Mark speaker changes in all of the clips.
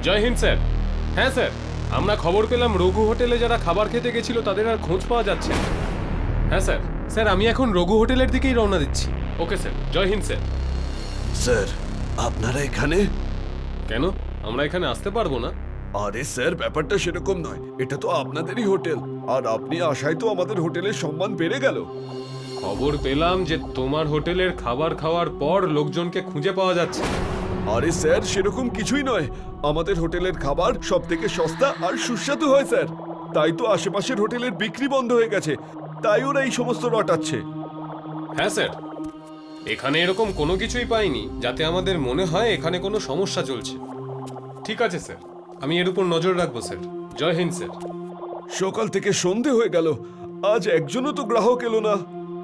Speaker 1: জয় Hind sir. হ্যাঁ sir, আমরা খবর পেলাম রঘু হোটেলে যারা খাবার খেতে গেছিল তাদের আর খোঁজ পাওয়া যাচ্ছে না। হ্যাঁ স্যার। স্যার আমি এখন রঘু হোটেলের দিকেই রওনা দিচ্ছি। Okay sir, Jai Hind sir.
Speaker 2: Sir আপনারা এখানে?
Speaker 1: কেন, আমরা এখানে আসতে পারবো না?
Speaker 2: আরে স্যার, ব্যাপারটা সেরকম নয়, এটা তো আপনাদেরই হোটেল, আর আপনি আসায় তো আমাদের হোটেলের সম্মান বেড়ে গেল।
Speaker 1: খবর পেলাম যে তোমার হোটেলের খাবার খাওয়ার পর লোকজনকে খুঁজে পাওয়া যাচ্ছে।
Speaker 2: আরে স্যার, সেরকম কিছুই নয়, আমাদের হোটেলের খাবার সব থেকে সস্তা আর সুস্বাদু হয় স্যার। তাই তো আশেপাশের হোটেলের বিক্রি বন্ধ হয়ে গেছে, তাই ওরা এই সমস্ত রটাচ্ছে।
Speaker 1: হ্যাঁ স্যার, এখানে এরকম কোনো কিছুই পাইনি যাতে আমাদের মনে হয় এখানে কোনো সমস্যা চলছে। ঠিক আছে স্যার, আমি এর উপর নজর রাখবো স্যার। জয় হিন্দ স্যার।
Speaker 2: সকাল থেকে সন্ধে হয়ে গেল, আজ একজনও তো গ্রাহক এলো না।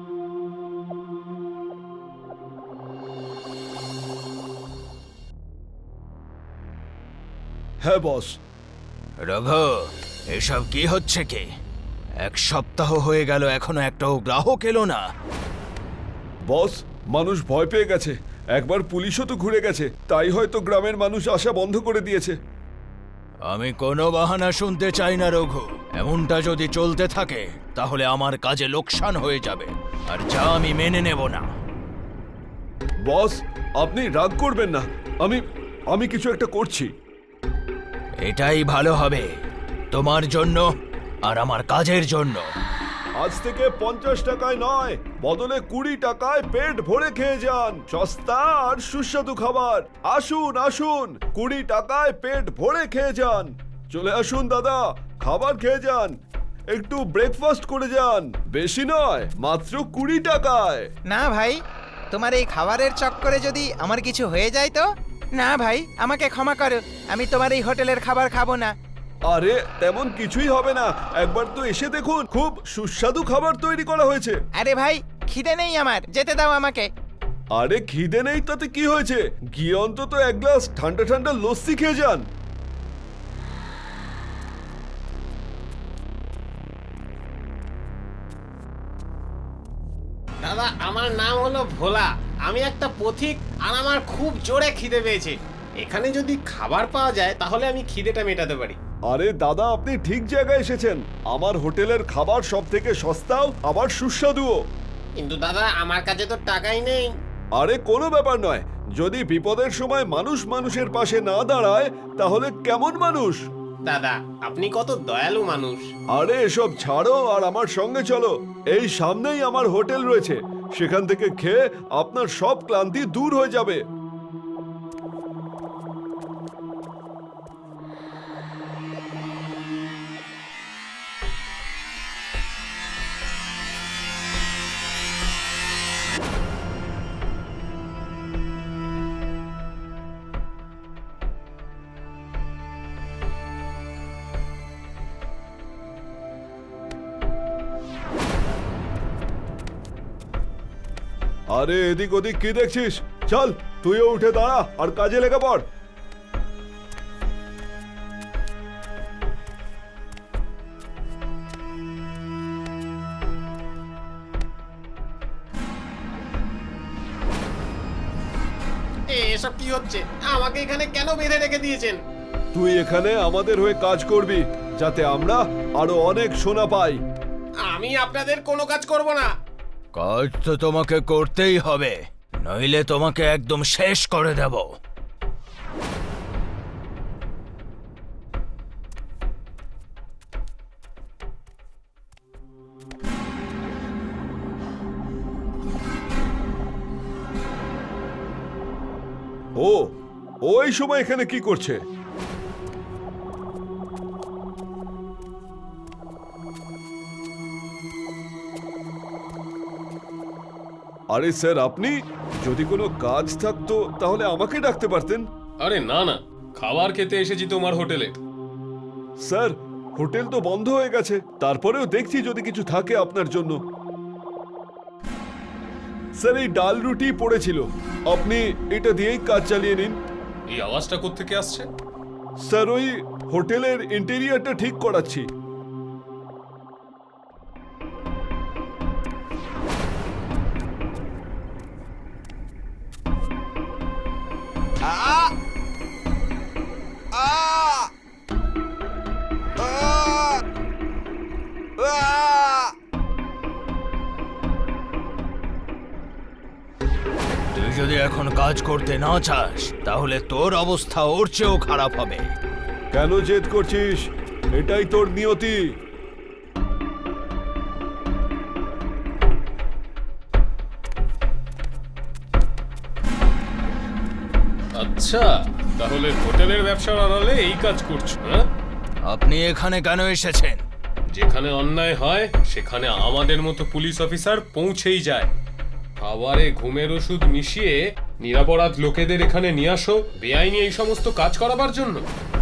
Speaker 2: হ্যাঁ বস।
Speaker 3: রঘু, এসব কি হচ্ছে কি? এক সপ্তাহ হয়ে গেল এখনো একটাও গ্রাহক এলো না।
Speaker 2: বস, মানুষ ভয় পেয়ে গেছে, একবার পুলিশও তো ঘুরে গেছে, তাই হয়তো গ্রামের মানুষ আসা বন্ধ করে দিয়েছে।
Speaker 3: আমি কোনো বাহানা শুনতে চাই না রঘু। এমনটা যদি চলতে থাকে তাহলে আমার কাজে লোকসান হয়ে যাবে, আর যা আমি মেনে নেব না।
Speaker 2: বস, আপনি রাগ করবেন না, আমি কিছু একটা করছি।
Speaker 3: এটাই ভালো হবে তোমার জন্য আর আমার কাজের জন্য।
Speaker 2: আজ থেকে 50 টাকায় নয়, বদলে 20 টাকায় পেট ভরে খেয়ে যান সস্তা আর সুস্বাদু খাবার। আসুন আসুন, 20 টাকায় পেট ভরে খেয়ে যান। চলে আসুন দাদা, খাবার খেয়ে যান, একটু ব্রেকফাস্ট করে যান। বেশি নয়, মাত্র 20 টাকায়।
Speaker 4: না ভাই, তোমার এই খাবারের চক্করে যদি আমার কিছু হয়ে যায় তো? না ভাই, আমাকে ক্ষমা করো, আমি তোমার এই হোটেলের খাবার খাবো না।
Speaker 2: আরে তেমন কিছুই হবে না, একবার তো এসে দেখুন, খুব সুস্বাদু খাবার তৈরি করা হয়েছে।
Speaker 4: আরে ভাই, খিদে নেই আমার, যেতে দাও আমাকে।
Speaker 2: আরে খিদে নেই তাতে কি হয়েছে, গিয়ে অন্তত এক গ্লাস ঠান্ডা ঠান্ডা লস্যি খেয়ে যান।
Speaker 5: দাদা, আমার নাম হলো ভোলা, আমি একটা পথিক, আর আমার খুব জোরে খিদে পেয়েছে। এখানে যদি খাবার পাওয়া যায় তাহলে আমি খিদেটা মেটাতে পারি।
Speaker 2: আরে দাদা, আপনি ঠিক জায়গায় এসেছেন, আমার হোটেলের খাবার সব থেকে সস্তাও আবার সুস্বাদুও।
Speaker 5: কিন্তু দাদা, আমার কাছে তো টাকাই নেই।
Speaker 2: আরে কোনো ব্যাপার নয়, যদি বিপদের সময় মানুষ মানুষের পাশে না দাঁড়ায় তাহলে কেমন মানুষ?
Speaker 5: দাদা, আপনি কত দয়ালু মানুষ।
Speaker 2: আরে এসব ছাড়ো আর আমার সঙ্গে চলো, এই সামনেই আমার হোটেল রয়েছে, সেখান থেকে খেয়ে আপনার সব ক্লান্তি দূর হয়ে যাবে। আরে এদিক ওদিক কি দেখছিস, চল তুইও উঠে দাঁড়া আর কাজে লেগে পড়।
Speaker 5: এসব কি হচ্ছে? আমাকে এখানে কেন বেঁধে রেখে দিয়েছেন?
Speaker 2: তুই এখানে আমাদের হয়ে কাজ করবি, যাতে আমরা আরো অনেক সোনা পাই।
Speaker 5: আমি আপনাদের কোনো কাজ করব না।
Speaker 3: কাজ তো তোমাকে করতেই হবে, নইলে তোমাকে একদম শেষ করে দেব।
Speaker 2: ও ওই সময় এখানে কি করছে? আরে স্যার, আপনি যদি কোনো কাজ থাকতো তাহলে আমাকে ডাকতে পারতেন।
Speaker 1: আরে না না, খাবার খেতে এসেছি তোমার হোটেলে।
Speaker 2: স্যার, হোটেল তো বন্ধ হয়ে গেছে, তারপরেও দেখছি যদি কিছু থাকে আপনার জন্য। স্যার, এই ডাল রুটি পড়েছিল, আপনি এটা দিয়েই কাজ চালিয়ে নিন।
Speaker 1: এই আওয়াজটা কোত্থেকে আসছে?
Speaker 2: স্যার, ওই হোটেলের ইন্টেরিয়রটা ঠিক করাচ্ছি।
Speaker 4: আ
Speaker 3: তুই যদি এখন কাজ করতে না চাস তাহলে তোর অবস্থা ওর চেয়েও খারাপ হবে।
Speaker 2: কেন জেদ করছিস? এটাই তোর নিয়তি।
Speaker 1: আচ্ছা, তাহলে হোটেলের ব্যবসার আড়ালে এই কাজ করছো, হ্যাঁ?
Speaker 3: আপনি এখানে কেন এসেছেন?
Speaker 1: যেখানে অন্যায় হয় সেখানে আমাদের মতো পুলিশ অফিসার পৌঁছেই যায়। খাবারে ঘুমের ওষুধ মিশিয়ে নিরপরাধ লোকেদের এখানে নিয়ে আসো বেআইনি এই সমস্ত কাজ করাবার জন্য।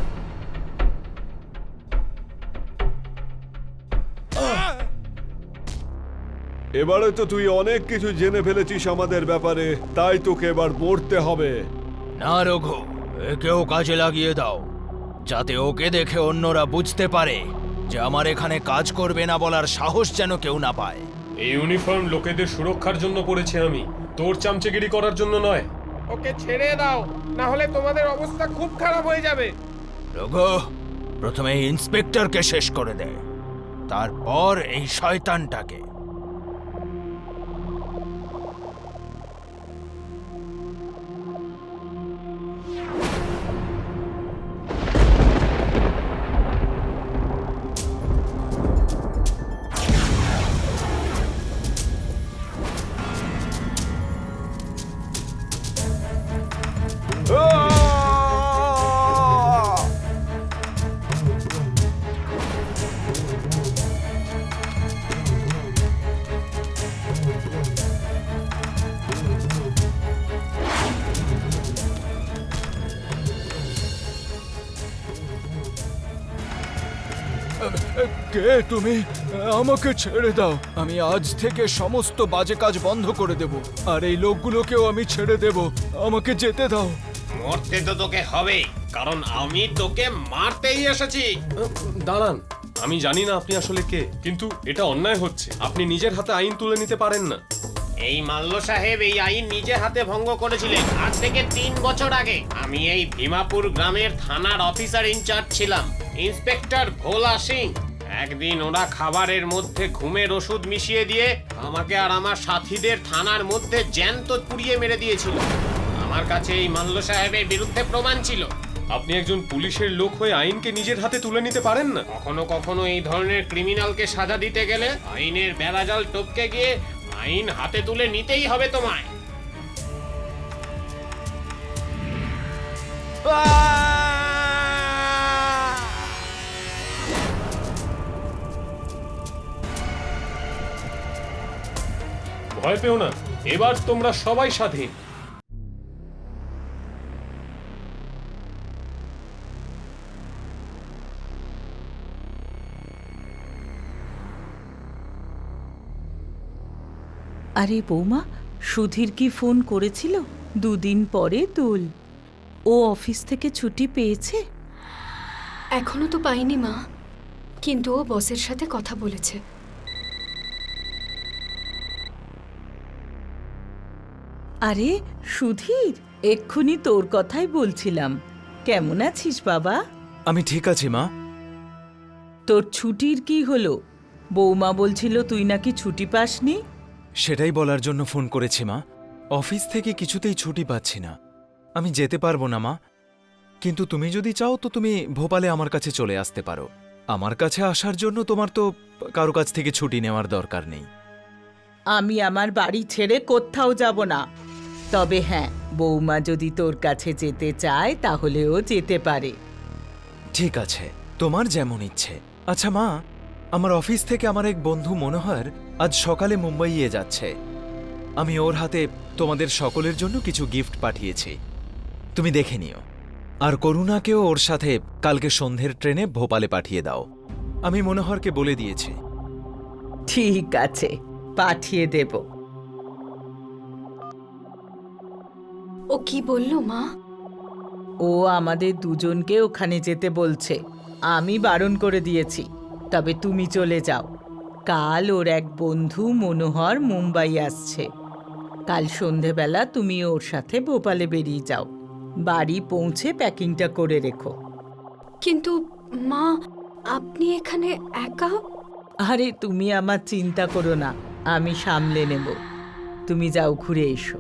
Speaker 2: এবারে তো তুই অনেক কিছু জেনে ফেলেছিস আমাদের ব্যাপারে, তাই তোকে এবার মরতে হবে।
Speaker 3: না রঘু, একেও কাজে লাগিয়ে দাও, যাতে ওকে দেখে অন্যরা বুঝতে পারে যে আমার এখানে কাজ করবে না বলার সাহস যেন কেউ না পায়।
Speaker 1: এই ইউনিফর্ম লোকেদের সুরক্ষার জন্য পরেছি আমি, তোর চামচেগিরি করার জন্য নয়।
Speaker 5: ওকে ছেড়ে দাও, না হলে তোমাদের অবস্থা খুব খারাপ হয়ে যাবে।
Speaker 3: রঘু, প্রথমে এই ইন্সপেক্টরকে শেষ করে দে, তারপর এই শয়তানটাকে। কে তুমি? আমাকে ছেড়ে দাও। আমি আজ থেকে সমস্ত বাজে কাজ বন্ধ করে দেব, আর এই লোকগুলোকেও আমি ছেড়ে দেব। আমাকে যেতে দাও।
Speaker 5: মরতে তো তোকে হবে, কারণ আমি তোকে মারতেই এসেছি।
Speaker 1: দাঁড়ান, আমি জানি না আপনি আসলে কে, কিন্তু এটা অন্যায় হচ্ছে। আপনি নিজের হাতে আইন তুলে নিতে পারেন না।
Speaker 5: এই মাল্য সাহেব এই আইন নিজে হাতে ভঙ্গ করেছিলেন আজ থেকে 3 বছর আগে। আমি এই ভীমাপুর গ্রামের থানার অফিসার ইনচার্জ ছিলাম, ইন্সপেক্টর ভোলা সিং। একদিন ওরা খাবারের মধ্যে ঘুমের ওষুধ মিশিয়ে দিয়ে আমাকে আর আমার সাথীদের থানার মধ্যে জ্যান্ত পুড়িয়ে মেরে দিয়েছিল। আমার কাছে এই মাল্য সাহেবের বিরুদ্ধে প্রমাণ ছিল।
Speaker 1: আপনি একজন পুলিশের লোক হয়ে আইনকে নিজের হাতে তুলে নিতে পারেন না?
Speaker 5: কখনো কখনো এই ধরনের ক্রিমিনালকে সাজা দিতে গেলে আইনের বেড়াজাল টপকে গিয়ে আইন হাতে তুলে নিতেই হবে তোমায়।
Speaker 1: ভয় পেও না, এবার তোমরা সবাই স্বাধীন।
Speaker 6: আরে বৌমা, সুধীর কি ফোন করেছিল? 2 দিন পরে দোল। ও অফিস থেকে ছুটি পেয়েছে?
Speaker 7: এখনো তো পাইনি মা, কিন্তু ও বসের সাথে কথা বলেছে।
Speaker 6: আরে সুধীর, এক্ষুনি তোর কথাই বলছিলাম। কেমন আছিস বাবা?
Speaker 3: আমি ঠিক আছি মা।
Speaker 6: তোর ছুটির কি হলো? বৌমা বলছিল তুই নাকি ছুটি পাসনি।
Speaker 8: সেটাই বলার জন্য ফোন করেছি মা। অফিস থেকে কিছুতেই ছুটি পাচ্ছি না। আমি যেতে পারবো না মা, কিন্তু তুমি যদি চাও তো তুমি ভোপালে আমার কাছে চলে আসতে পারো। আমার কাছে আসার জন্য তোমার তো কারো কাছ থেকে ছুটি নেওয়ার দরকার নেই।
Speaker 6: আমি আমার বাড়ি ছেড়ে কোথাও যাব না। তবে হ্যাঁ, বৌমা যদি তোর কাছে যেতে চায় তাহলে ও যেতে পারে।
Speaker 8: ঠিক আছে, তোমার যেমন ইচ্ছে। আচ্ছা মা, আমার অফিস থেকে আমার এক বন্ধু মনোহর আজ সকালে মুম্বাইয়ে যাচ্ছে। আমি ওর হাতে তোমাদের সকলের জন্য কিছু গিফট পাঠিয়েছি, তুমি দেখে নিও। আর করুণাকেও ওর সাথে কালকে সন্ধ্যের ট্রেনে ভোপালে পাঠিয়ে দাও। আমি মনোহরকে বলে দিয়েছি।
Speaker 6: ঠিক আছে, পাঠিয়ে দেব।
Speaker 7: ও কি বললো মা?
Speaker 6: ও আমাদের দুজনকে ওখানে যেতে বলছে। আমি বারণ করে দিয়েছি, তবে তুমি চলে যাও। কাল ওর এক বন্ধু মনোহর মুম্বাই আসছে। কাল সন্ধেবেলা তুমি ওর সাথে ভোপালে বেরিয়ে যাও। বাড়ি পৌঁছে প্যাকিংটা করে রেখো।
Speaker 7: কিন্তু মা, আপনি এখানে একা?
Speaker 6: আরে তুমি আমার চিন্তা করো না, আমি সামলে নেব। তুমি যাও, ঘুরে এসো।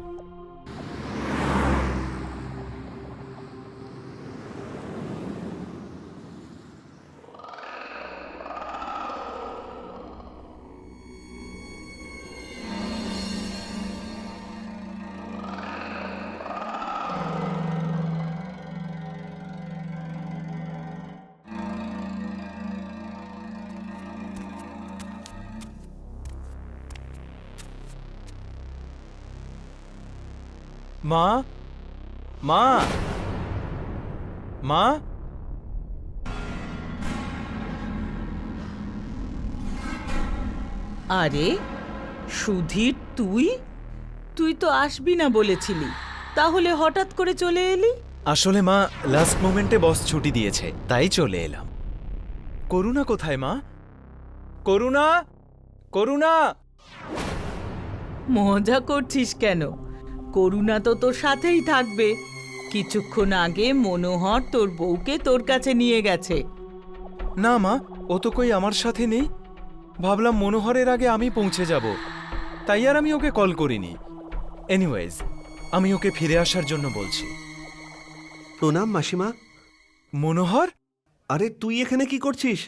Speaker 8: মা, মা, মা,
Speaker 6: আরে সুধীর, তুই তুই তো আসবি না বলেছিলি, তাহলে হঠাৎ করে চলে এলি?
Speaker 8: আসলে মা, লাস্ট মোমেন্টে বস ছুটি দিয়েছে, তাই চলে এলাম। করুণা কোথায় মা? করুণা, করুণা!
Speaker 6: মজা করছিস কেন? করুণা তো তোর সাথেই থাকবে। কিছুক্ষণ আগে মনোহর তোর বউকে তোর কাছে নিয়ে গেছে।
Speaker 8: না মা, ও তো কই আমার সাথে নেই। ভাবলাম মনোহরের আগে আমি পৌঁছে যাব, তাই আর আমি ওকে কল করিনি। এনিওয়েজ, আমি ওকে ফিরে আসার জন্য বলছি।
Speaker 2: প্রণাম মাসিমা।
Speaker 8: মনোহর,
Speaker 2: আরে তুই এখানে কি করছিস?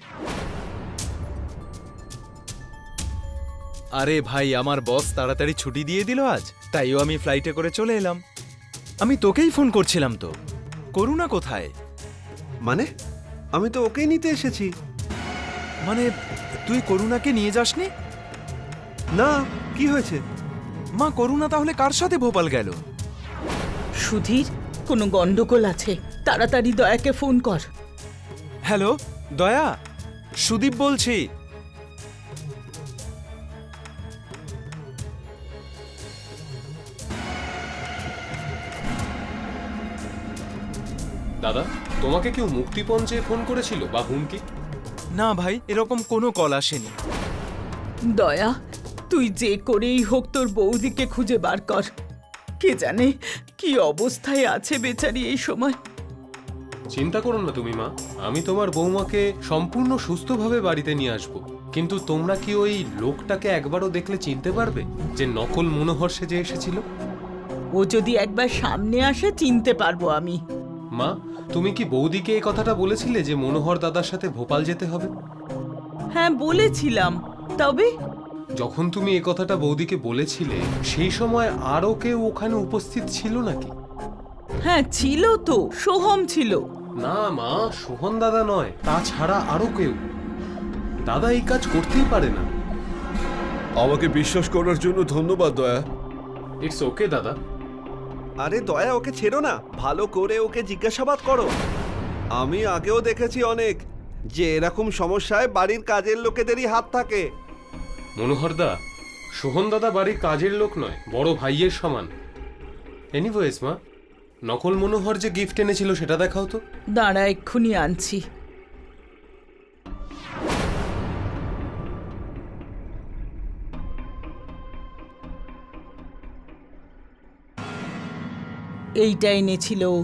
Speaker 8: আরে ভাই, আমার বস তাড়াতাড়ি ছুটি দিয়ে দিল আজ, তাইও আমি ফ্লাইটে করে চলে এলাম। আমি তোকেই ফোন করছিলাম তো। করুণা কোথায়?
Speaker 2: মানে আমি তো ওকেই নিতে এসেছি।
Speaker 8: মানে তুই করুণাকে নিয়ে যাসনি?
Speaker 2: না, কি হয়েছে?
Speaker 8: মা, করুণা তাহলে কার সাথে ভোপাল গেল?
Speaker 6: সুধীর, কোনো গন্ডগোল আছে, তাড়াতাড়ি দয়াকে ফোন কর।
Speaker 8: হ্যালো দয়া, সুদীপ বলছি।
Speaker 1: দাদা, তোমাকে কেউ মুক্তিপণ চেয়ে ফোন করেছিল বা হুমকি?
Speaker 8: না ভাই, এরকম কোনো কল আসেনি।
Speaker 6: দয়া, তুই যে করেই হোক তোর বৌদিকে খুঁজে বার কর। কে জানে কি অবস্থায় আছে বেচারি এই সময়।
Speaker 1: চিন্তা করো না তুমি মা, আমি তোমার বৌমাকে সম্পূর্ণ সুস্থভাবে বাড়িতে নিয়ে আসব। কিন্তু তোমরা কি ওই লোকটাকে একবারও দেখলে চিনতে পারবে, যে নকল মনোহর সেজে এসেছিল?
Speaker 6: ও যদি একবার সামনে আসে চিনতে পারবো আমি।
Speaker 1: মা, তুমি কি বৌদিকে এই কথাটা বলেছিলে যে মনোহর দাদার সাথে ভোপাল যেতে হবে?
Speaker 6: হ্যাঁ বলেছিলাম, তবে
Speaker 1: যখন তুমি এই কথাটা বৌদিকে বলেছিলে, সেই সময় আরও কেউ ওখানে উপস্থিত ছিল নাকি?
Speaker 6: হ্যাঁ ছিল তো, সোহম ছিল।
Speaker 1: না মা, সোহন দাদা নয়, তাছাড়া আরো কেউ। দাদা এই কাজ করতেই পারে না।
Speaker 2: আমাকে বিশ্বাস করার জন্য ধন্যবাদ দয়া।
Speaker 1: ইটস ওকে দাদা।
Speaker 2: আরে দয়া, ওকে ছেড়ো না, ভালো করে ওকে জিজ্ঞাসাবাদ করো। আমি আগেও দেখেছি অনেক, যে এরকম সমস্যায় বাড়ির কাজের লোকেদেরই হাত থাকে।
Speaker 1: মনোহর দা, সোহন দাদা বাড়ির কাজের লোক নয়, বড় ভাইয়ের সমান। এনিওয়েজ মা, নকল মনোহর যে গিফট এনেছিল সেটা দেখাও তো।
Speaker 6: দাঁড়া, এক্ষুনি আনছি। এইটা এনেছিল ও।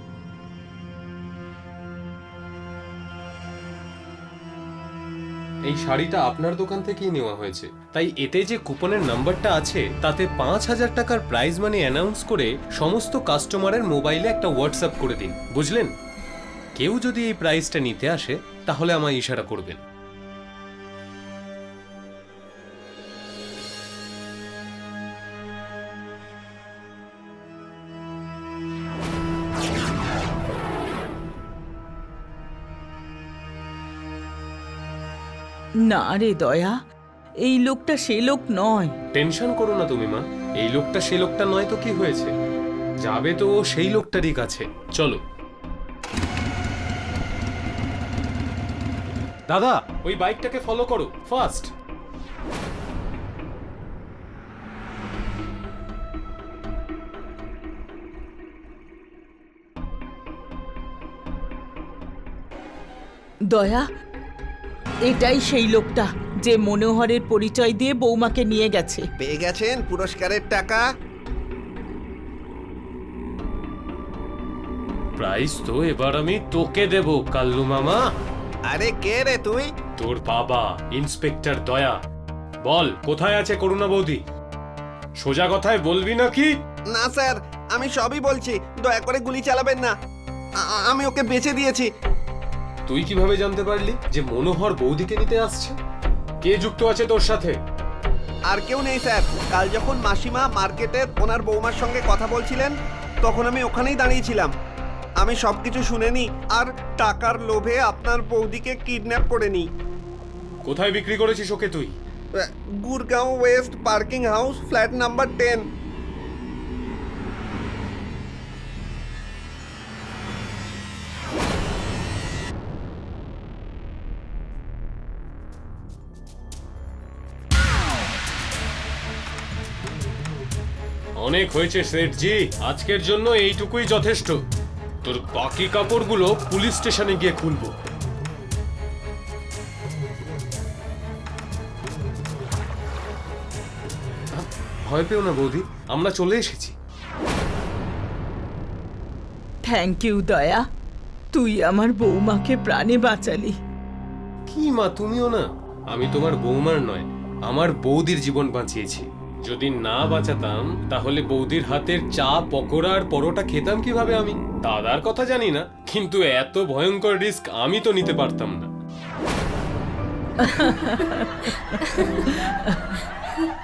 Speaker 1: এই শাড়িটা আপনার দোকান থেকেই নেওয়া হয়েছে, তাই এতে যে কুপনের নাম্বারটা আছে তাতে 5,000 টাকার প্রাইজ মানি অ্যানাউন্স করে সমস্ত কাস্টমারের মোবাইলে একটা হোয়াটসঅ্যাপ করে দিন, বুঝলেন? কেউ যদি এই প্রাইজটা নিতে আসে তাহলে আমায় ইশারা করবেন।
Speaker 6: না রে দয়া, এই লোকটা সে লোক নয়।
Speaker 1: টেনশন করো না তুমি মা, এই লোকটা সে লোকটা নয় তো কি হয়েছে, যাবে তো ও সেই লোকটারই কাছে। চলো দাদা, ওই বাইকটাকে ফলো করো, ফাস্ট।
Speaker 6: দয়া, এটাই সেই লোকটা যে মনোহরের পরিচয় দিয়ে বৌমাকে নিয়ে গেছে।
Speaker 2: পেয়ে গেছেন পুরস্কারের টাকা।
Speaker 1: প্রাইজ তো এবার আমি তোকে দেব কাল্লু মামা।
Speaker 2: আরে কে রে তুই?
Speaker 1: তোর বাবা ইন্সপেক্টর দয়া, বল কোথায় আছে করুণা বৌদি? সোজা কথায় বলবি নাকি?
Speaker 9: না স্যার, আমি সবই বলছি, দয়া করে গুলি চালাবেন না। আমি ওকে বেঁচে দিয়েছি।
Speaker 1: তুই কিভাবে জানতে পারলি যে মনোহর বৌদিকে নিতে আসছে? কে যুক্ত আছে তোর সাথে?
Speaker 9: আর কেউ নেই স্যার। কাল যখন মাসিমা মার্কেটের ওনার বৌমার সঙ্গে কথা বলছিলেন, তখন আমি ওখানেই দাঁড়িয়েছিলাম। আমি সবকিছু শুনে নি আর টাকার লোভে আপনার বৌদিকে কিডন্যাপ করে নিই।
Speaker 1: কোথায় বিক্রি করেছিস ওকে তুই?
Speaker 9: Gurgaon west parking house, flat number 10।
Speaker 1: অনেক হয়েছে সেঠজি, আজকের জন্য এইটুকুই যথেষ্ট। তোর বাকি কাপড়গুলো পুলিশ স্টেশনে গিয়ে খুলবো। ভয় পেও না বৌদি, আমরা চলে এসেছি।
Speaker 6: থ্যাংক ইউ দয়া, তুই আমার বৌমাকে প্রাণে বাঁচালি।
Speaker 1: কি মা, তুমিও না? আমি তোমার বৌমার নয়, আমার বৌদির জীবন বাঁচিয়েছি। যদি না বাঁচাতাম তাহলে বৌদির হাতের চা, পকোড়া আর পরোটা খেতাম কিভাবে আমি? দাদার কথা জানি না, কিন্তু এত ভয়ঙ্কর রিস্ক আমি তো নিতে পারতাম না।